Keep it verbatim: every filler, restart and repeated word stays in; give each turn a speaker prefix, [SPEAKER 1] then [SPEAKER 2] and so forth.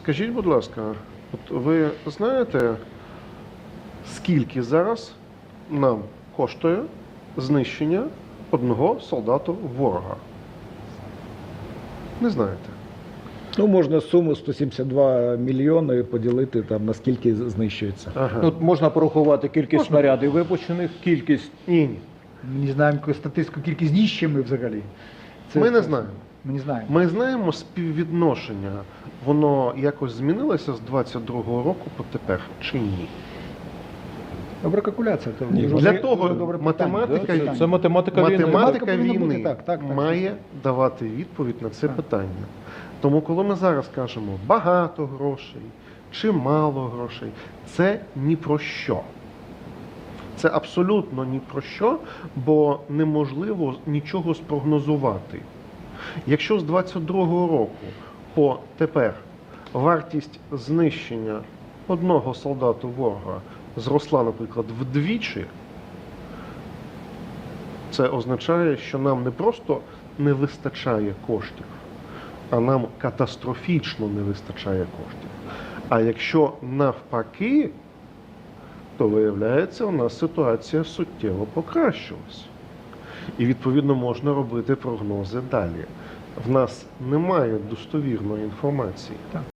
[SPEAKER 1] Скажіть, будь ласка, от ви знаєте, скільки зараз нам коштує знищення одного солдата ворога? Не знаєте.
[SPEAKER 2] Ну, можна суму сто сімдесят два мільйони поділити, там, на скільки знищується.
[SPEAKER 1] Ага.
[SPEAKER 3] Тут можна порахувати кількість
[SPEAKER 1] Можна.
[SPEAKER 3] снарядів випущених, кількість.
[SPEAKER 1] Ні, ні.
[SPEAKER 4] Ми не знаємо яку статистику, кількість знищень взагалі.
[SPEAKER 1] Ми не знаємо.
[SPEAKER 4] Ми не знаємо.
[SPEAKER 1] Ми знаємо співвідношення. Воно якось змінилося з двадцять другого року по тепер чи ні?
[SPEAKER 4] Добра калькуляція. То
[SPEAKER 2] Ні,
[SPEAKER 4] дуже-
[SPEAKER 1] Для
[SPEAKER 4] дуже
[SPEAKER 1] того
[SPEAKER 4] добре питання.
[SPEAKER 1] математика,
[SPEAKER 3] Да, це, це математика війни.
[SPEAKER 1] математика
[SPEAKER 4] Математика повинна
[SPEAKER 1] війни
[SPEAKER 4] бути так, так, так,
[SPEAKER 1] має давати відповідь на це
[SPEAKER 4] Так.
[SPEAKER 1] питання. Тому коли ми зараз кажемо багато грошей чи мало грошей, це ні про що. Це абсолютно ні про що, бо неможливо нічого спрогнозувати. Якщо з двадцять другого року по тепер вартість знищення одного солдата ворога зросла, наприклад, вдвічі, це означає, що нам не просто не вистачає коштів, а нам катастрофічно не вистачає коштів. А якщо навпаки, то виявляється, у нас ситуація суттєво покращилась. І відповідно можна робити прогнози далі. В нас немає достовірної інформації.